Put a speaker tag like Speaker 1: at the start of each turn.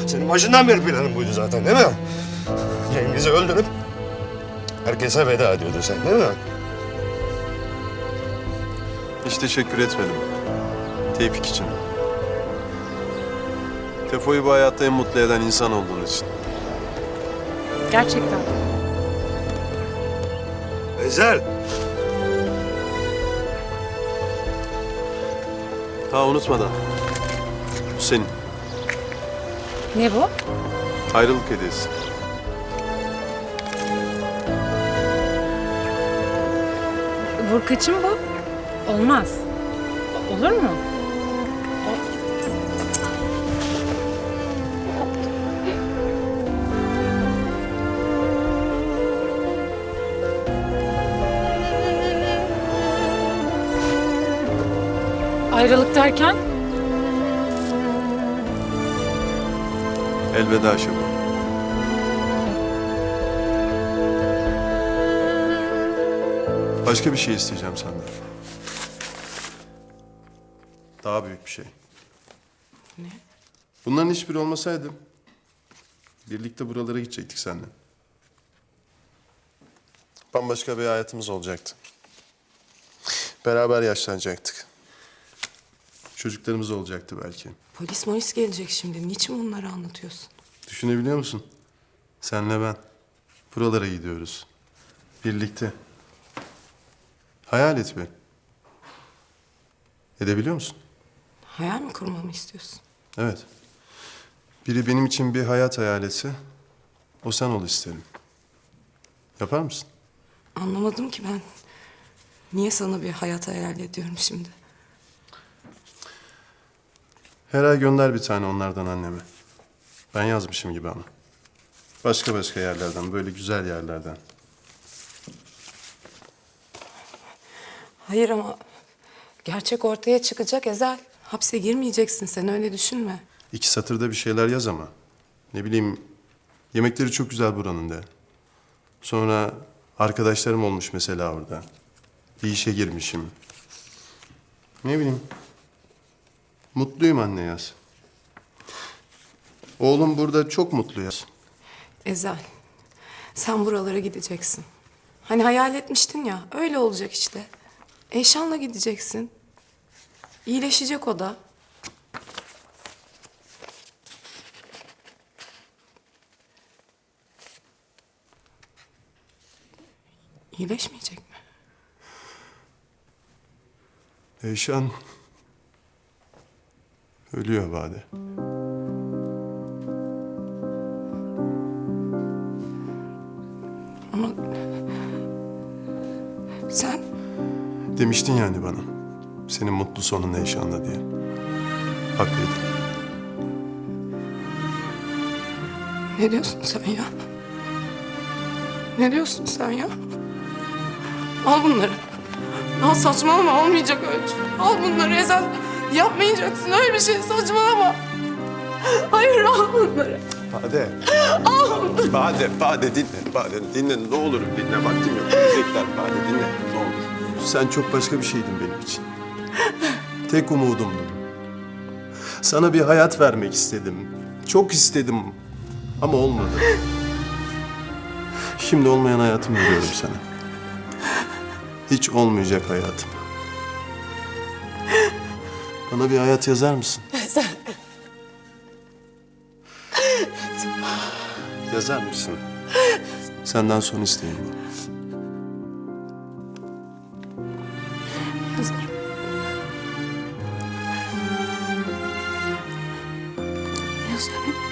Speaker 1: Senin başından beri planın buydu zaten değil mi? Cengiz'i öldürüp herkese veda ediyordun sen değil mi?
Speaker 2: Hiç teşekkür etmedim. Tevfik için. Tefo'yu bu hayatta en mutlu eden insan olduğun için.
Speaker 3: Gerçekten.
Speaker 1: Ezel.
Speaker 2: Ha unutmadan. Bu senin.
Speaker 3: Ne bu?
Speaker 2: Ayrılık hediyesi.
Speaker 3: Vurkaç'ın bu. Olmaz. Olur mu? Ayrılık derken?
Speaker 2: Elveda Şebo. Başka bir şey isteyeceğim senden. Daha büyük bir şey.
Speaker 4: Ne?
Speaker 2: Bunların hiçbiri olmasaydı birlikte buralara gidecektik seninle. Bambaşka bir hayatımız olacaktı. Beraber yaşlanacaktık. Çocuklarımız olacaktı belki.
Speaker 4: Polis gelecek şimdi. Niçin bunları anlatıyorsun?
Speaker 2: Düşünebiliyor musun? Senle ben. Buralara gidiyoruz. Birlikte. Hayal et be. Edebiliyor musun?
Speaker 4: Hayal mi kurmamı istiyorsun?
Speaker 2: Evet. Biri benim için bir hayat hayal etse, o sen ol isterim. Yapar mısın?
Speaker 4: Anlamadım ki ben. Niye sana bir hayat hayal ediyorum şimdi?
Speaker 2: Her ay gönder bir tane onlardan anneme. Ben yazmışım gibi ama. Başka başka yerlerden, böyle güzel yerlerden.
Speaker 4: Hayır ama gerçek ortaya çıkacak Ezel. Hapse girmeyeceksin sen, öyle düşünme.
Speaker 2: 2 satırda bir şeyler yaz ama. Ne bileyim, yemekleri çok güzel buranın de. Sonra arkadaşlarım olmuş mesela orada. Bir işe girmişim. Ne bileyim. Mutluyum anne yaz. Oğlum burada çok mutlu yaz.
Speaker 4: Ezel, sen buralara gideceksin. Hani hayal etmiştin ya, öyle olacak işte. Eyşan'la gideceksin. İyileşecek o da. İyileşmeyecek mi?
Speaker 2: Eyşan ölüyor Bade.
Speaker 4: Ama sen
Speaker 2: Demiştin yani bana. Senin mutlu sonun Eyşan'da diye. Haklıydın.
Speaker 4: ne diyorsun sen ya? Ne diyorsun sen ya? Al bunları. Al, saçmalama, olmayacak öyle şey. Al bunları Ezel. Yapmayacaksın öyle bir şey, saçmalama. Hayır, al bunları.
Speaker 2: Bade. Bade dinle. Bade dinle, ne olur dinle. Vaktim yok. Gidecekler. Bade dinle, ne olur. Sen çok başka bir şeydin benim için. Tek umudumdun. Sana bir hayat vermek istedim. Çok istedim ama olmadı. Şimdi olmayan hayatımı veriyorum sana. Hiç olmayacak hayatım. Bana bir hayat yazar mısın? Yazar mısın? Senden son isteğim bu.
Speaker 4: Yazarım. Yazarım.